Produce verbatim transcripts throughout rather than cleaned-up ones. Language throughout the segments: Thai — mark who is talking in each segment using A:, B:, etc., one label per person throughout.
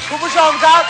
A: คุณผู้ชมครับ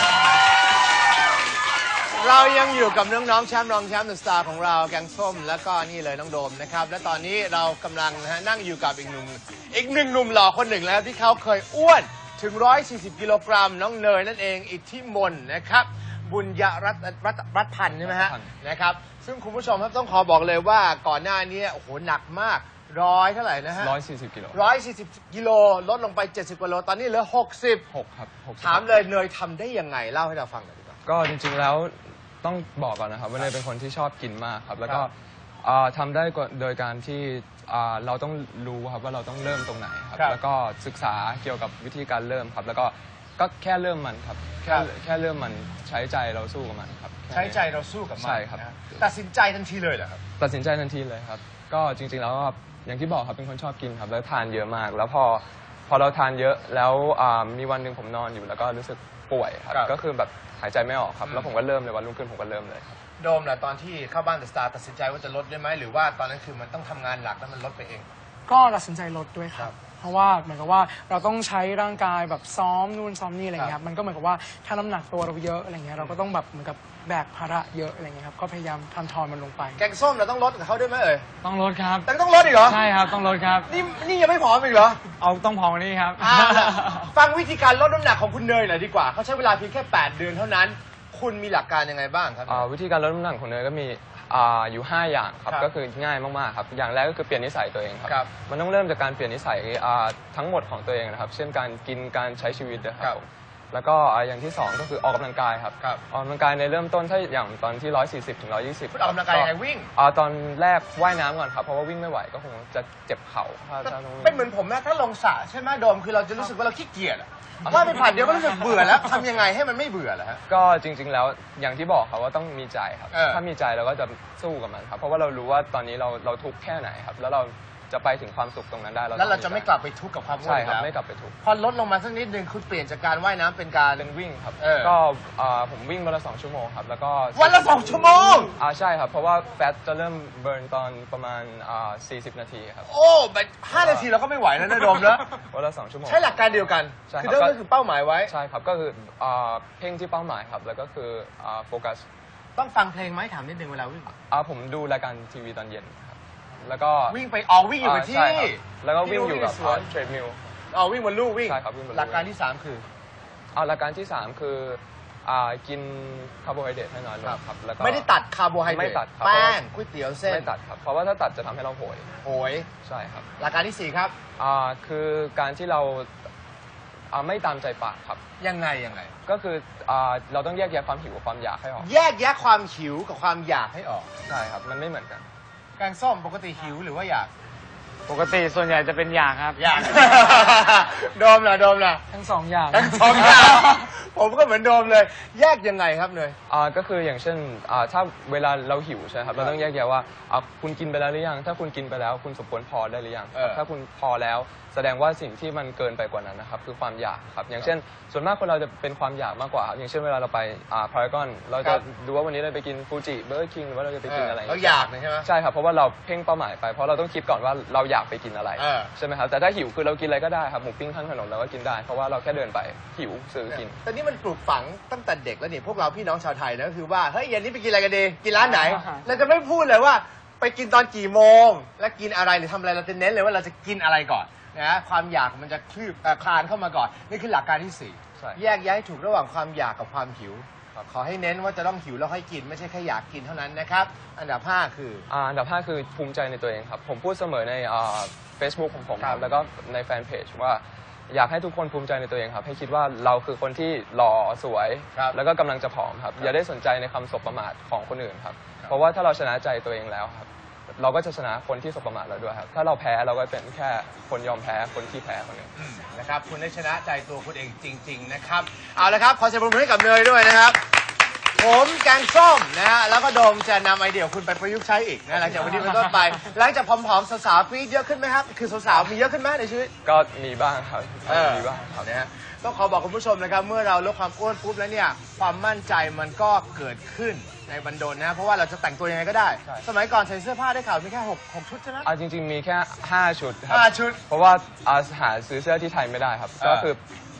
A: เรายังอยู่กับน้องๆแชมป์รองแชมป์เดอะสตาร์ของเราแกงส้มแล้วก็นี่เลยน้องโดมนะครับและตอนนี้เรากำลังนะฮะนั่งอยู่กับอีกหนุ่มอีกหนึ่งหนุ่มหล่อคนหนึ่งแล้วที่เขาเคยอ้วนถึงหนึ่งร้อยสี่สิบกิโลกรัมน้องเนยนั่นเองอิทธิมนต์นะครับบุญยรัตน์รัตน์รัตน์พันธ์ใช่ไหมฮะนะครับซึ่งคุณผู้ชมครับต้องขอบอกเลยว่าก่อนหน้านี้โอ้โหหนักมากร้อยเท่าไหร่นะฮะ
B: ร้อยสี่สิบกิโล
A: ร้อยสี่สิบกิโลลดลงไปเจ็ดสิบกิโลตอนนี้เหลือหกสิบ
B: หกครับ
A: ถามเลยเนยทำได้ยังไงเล่าให้เราฟังหน่อยดีกว่า
B: ก็จริงๆแล้วต้องบอกก่อนนะครับว่าเนยเป็นคนที่ชอบกินมากครับแล้วก็ทำได้โดยการที่เราต้องรู้ครับว่าเราต้องเริ่มตรงไหนครับแล้วก็ศึกษาเกี่ยวกับวิธีการเริ่มครับแล้วก็ก็แค่เริ่มมันครับแค่แค่เริ่มมันใช้ใจเราสู้กับมันครับ
A: ใช้ใจเราสู้กับมัน
B: ใช่ครับ
A: ตัดสินใจทันทีเลยเหรอครับ
B: ตัดสินใจทันทีเลยครับก็จริงๆแล้วอย่างที่บอกครับเป็นคนชอบกินครับแล้วทานเยอะมากแล้วพอพอเราทานเยอะแล้วมีวันหนึ่งผมนอนอยู่แล้วก็รู้สึกป่วยครับก็คือแบบหายใจไม่ออกครับแล้วผมก็เริ่มเลยวันรุ่งขึ้นผมก็เริ่มเลยครับ
A: โดมล่ะตอนที่เข้าบ้านเดอะสตาร์ตัดสินใจว่าจะลดได้ไหมหรือว่าตอนนั้นคือมันต้องทำงานหลักแล้วมันลดไปเอง
C: ก็ตัดสินใจลดด้วยครับเพราะว่าเหมือนกับว่าเราต้องใช้ร่างกายแบบซ้อมนู่นซ้อมนี่อะไรเงี้ยครับมันก็เหมือนกับว่าถ้าน้ำหนักตัวเราเยอะอะไรเงี้ยเราก็ต้องแบบเหมือนกับแบกภาระเยอะอะไรเงี้ยครับก็พยายามทำทอนมันลงไป
A: แกงส้มเราต้องลดกับเขาด้วยไหมเอ่ย
C: ต้องลดครับ
A: แต่ต้องลดอีกเหรอ
C: ใช่ครับต้องลดครับ
A: นี่นี่ยังไม่ผอมอีกเหรอ
C: เอาต้องผอมนี่ครับ
A: ฟังวิธีการลดน้ำหนักของคุณเนยหน่อยดีกว่าเขาใช้เวลาเพียงแค่แปดเดือนเท่านั้นคุณมีหลักการยังไงบ้างครับ
B: วิธีการลดน้ำหนักของเนยก็มีอยู่ห้าอย่างครับก็คือง่ายมากๆครับอย่างแรกก็คือเปลี่ยนนิสัยตัวเองครับมันต้องเริ่มจากการเปลี่ยนนิสัยทั้งหมดของตัวเองนะครับเช่นการกินการใช้ชีวิตนะครับแล้วก็อย่างที่สองก็คือออกกำลังกายครับออกกำลังกายในเริ่มต้นถ้าอย่างตอนที่ร้อยสี่สิบถึงร้อยยี่สิบ
A: ออกกำลังกายยังไงวิ่ง
B: ตอนแรกว่ายน้ำก่อนครับเพราะว่าวิ่งไม่ไหวก็คงจะเจ็บเข่า
A: เป็นเหมือนผมนะถ้าลงสระใช่ไหมโดมคือเราจะรู้สึกว่าเราขี้เกียจว่าไปผ่านเดียวก็รู้สึกเบื่อแล้วทำยังไงให้มันไม่เบื่อล่ะฮะ
B: ก็จริงๆแล้วอย่างที่บอกครับว่าต้องมีใจครับถ้ามีใจเราก็จะสู้กับมันครับเพราะว่าเรารู้ว่าตอนนี้เราเราทุกข์แค่ไหนครับแล้วเราจะไปถึงความสุขตรงนั้นได้
A: แล้วเราจะไม่กลับไปทุกข์กับความอ้วน
B: ใช่ครับไม่กลับไปทุกข์
A: พอลดลงมาสักนิดนึงคุณเปลี่ยนจากการว่ายน้ำเป็นการ
B: เป็นวิ่งครับก็ผมวิ่งวันละสองชั่วโมงครับแล้วก็
A: วันละสองชั่วโมง
B: อ่าใช่ครับเพราะว่าแฟตจะเริ่มเบิร์นตอนประมาณสี่สิบนาทีครับ
A: โอ้แบบห้านาทีเราก็ไม่ไหวแล้วนะโดมนะ
B: วันละสองชั่วโมง
A: ใช้หลักการเดียวกันคือเริ่มก็คือเป้าหมายไว้
B: ใช่ครับก็คือเพ่งที่เป้าหมายครับแล้วก็คือโฟกัส
A: ต้องฟังเพลงไหมถามนิดนึงเวลาวิ่ง
B: ผมดูรายการทีวีตอนเย็นแล้วก็
A: วิ่งไปออกวิ่งอยู่กับที่
B: แล้วก็วิ่งอยู่กับเทรดมิล
A: อ๋อวิ่งบนลู่วิ่ง
B: ใช่ครับวิ่งบนลู่
A: หลักการที่สามคือ
B: เอาหลักการที่สามคือกินคาร์โบไฮเดรตให้น้อยลงครับ
A: แล้วก็ไม่ได้ตัดคาร์โบไฮเดรต
B: ไม่ตัด
A: แป้งก๋วยเตี๋ยวเส้น
B: ไม่ตัดครับเพราะว่าถ้าตัดจะทำให้เราโหย
A: โหย
B: ใช่ครับ
A: หลักการที่สี่ครับ
B: คือการที่เราไม่ตามใจปากครับ
A: ยังไงยังไง
B: ก็คือเราต้องแยกแยะความหิวกับความอยากให้ออก
A: แยกแยะความหิวกับความอยากให้ออก
B: ใช่ครับมันไม่เหมือนกัน
A: แกงส้มปกติหิวหรือว่าอยาก
C: ปกติส่วนใหญ่จะเป็นอยากครับ
A: อยากโดมล่ะโดมล่ะ
C: ทั้งสองอย่าง
A: ทั้งสองอย่างผมก็เหมือนโดมเลยแยกยังไงครับเนย
B: อ่าก็คืออย่างเช่นอ่าถ้าเวลาเราหิวใช่ครับเราต้องแยกแยะว่าอ่าคุณกินไปแล้วหรือยังถ้าคุณกินไปแล้วคุณสมควรพอได้หรือยังถ้าคุณพอแล้วแสดงว่าสิ่งที่มันเกินไปกว่านั้นนะครับคือความอยากครับอย่างเช่นส่วนมากคนเราจะเป็นความอยากมากกว่าอย่างเช่นเวลาเราไปอ่าพารากอนเราจะดูว่าวันนี้เราไปกินฟูจิเบอร์เกอร์คิงหรือว่าเราจะไปกินอะไร
A: เราอยากใช่ไหม
B: ใช่ครับเพราะว่าเราเพ่งเป้าหมายไปเพราะเราต้องคิดก่อนว่าเราอยากไปกินอะไรใช่ไหมครับแต่ถ้าหิวคือเรากินอะไรก็ได้ครับหมูปิ้งข้างถนนเราก็กินได้เพราะว่าเราแค่เดินไปหิวซื้อกิน
A: ตอนนี้มันปลูกฝังตั้งแต่เด็กแล้วนี่พวกเราพี่น้องชาวไทยนะก็คือว่าเฮ้ยเย็นนี้ไปกินอะไรกันดีกินร้านไหนเราจะไม่พูดเลยว่าไปกินตอนกี่โมงและกินอะไรหรือทำอะไรเราจะเน้นเลยว่าเราจะกินอะไรก่อนนะความอยากมันจะคลืบคลานเข้ามาก่อนนี่คือหลักการที่สี่แยกแยะให้ถูกระหว่างความอยากกับความหิวขอให้เน้นว่าจะต้องหิวแล้วให้กินไม่ใช่แค่อยากกินเท่านั้นนะครับอันดับห้าคือ
B: อันดับห้าคือภูมิใจในตัวเองครับผมพูดเสมอในเฟซบุ๊กของผมครับแล้วก็ในแฟนเพจว่าอยากให้ทุกคนภูมิใจในตัวเองครับให้คิดว่าเราคือคนที่หล่อสวยแล้วก็กำลังจะผอมครับอย่าได้สนใจในคำสบประมาทของคนอื่นครับเพราะว่าถ้าเราชนะใจตัวเองแล้วครับเราก็จะชนะคนที่สบประมาทเราด้วยครับถ้าเราแพ้เราก็เป็นแค่คนยอมแพ้คนที่แพ้คนหนึ่ง
A: นะครับคุณได้ชนะใจตัวคุณเองจริงๆนะครับเอาละครับขอเสียงปรบมือให้กับเนยด้วยนะครับผมแกงส้มนะฮะแล้วก็โดมจะนำไอเดียคุณไปประยุกต์ใช้อีกนะหลังจากวันนี้เป็นต้นไปหลังจากผอมๆสาวๆกรี๊ดเยอะขึ้นไหมครับคือสาวๆมีเยอะขึ้นไหมในชีวิต
B: ก็มีบ้างครับมีบ้าง
A: ครับนะฮะต้องขอบอกคุณผู้ชมนะครับเมื่อเราลดความอ้วนปุ๊บแล้วเนี่ยความมั่นใจมันก็เกิดขึ้นในบันดลนะเพราะว่าเราจะแต่งตัวยังไงก็ได้สมัยก่อนใส่เสื้อผ้าได้ข่าวมีแค่หก หกชุดใช่ไหม
B: อ่าจริงๆมีแค่ห้าชุดครับ
A: ห้าชุด
B: เพราะว่าหาซื้อเสื้อที่ไทยไม่ได้ครับก็คือ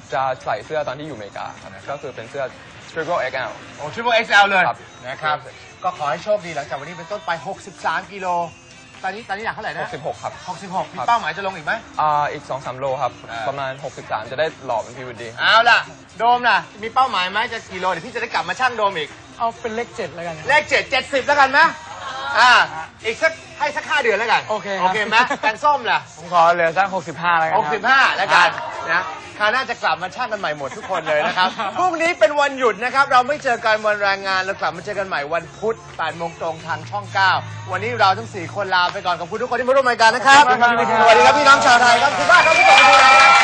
B: จะใส่เสื้อตอนที่อยู่อเมริกาครับก็คือเป็นเสื้อ Triple เอ็กซ์ แอล
A: โอ้ Triple เอ็กซ์ แอล เลย
B: ครับ
A: นะครับ ก็ขอให้โชคดีหลังจากวันนี้เป็นต้นไป หกสิบสาม กิโล ตอนนี้ตอนนี้หนักเท่าไหร่นะ
B: หกสิบหกครับ
A: หกสิบหก มีเป้าหมายจะลงอีกไหม
B: อ่าอีก สองสาม โลครับ
A: อ่า
B: ประมาณ หกสิบสาม จะได้หล่อเป็นพีวดี
A: เอาล่ะ โดมล่ะ มีเป้าหมายไหมจะกี่โล เดี๋ยวพี่จะได้กลับมาชั่งโดมอีก
C: เอาเป็นเลขเจ็ดแล้วกัน
A: เลขเจ็ด เจ็ดสิบแล้วกันไหมอ่า อีกสักให้สักห้าเดือนแล้วกัน
C: โอเคครับ
A: โอเคไหมแกงส้มล่ะ
D: ผมขอเหลือสักหกสิบห้าแล้วกัน
A: หกสิบห้าแล้วกันนะคราวหน้าจะกลับมาช่างกันใหม่หมดทุกคนเลยนะครับ พรุ่งนี้เป็นวันหยุดนะครับ เราไม่เจอกันวันแรงงาน เรากลับมาเจอกันใหม่วันพุธแปดโมงตรงทางช่องเก้าวันนี้เราทั้งสี่คนลาไปก่อนขอบคุณทุกคนที่มาร่วมรายการนะครับ
D: ขอบคุณครับ
A: สวัสดีครับพี่น้องชาวไทยครับขอบคุณมากครับที่ส่งมาดูรายการ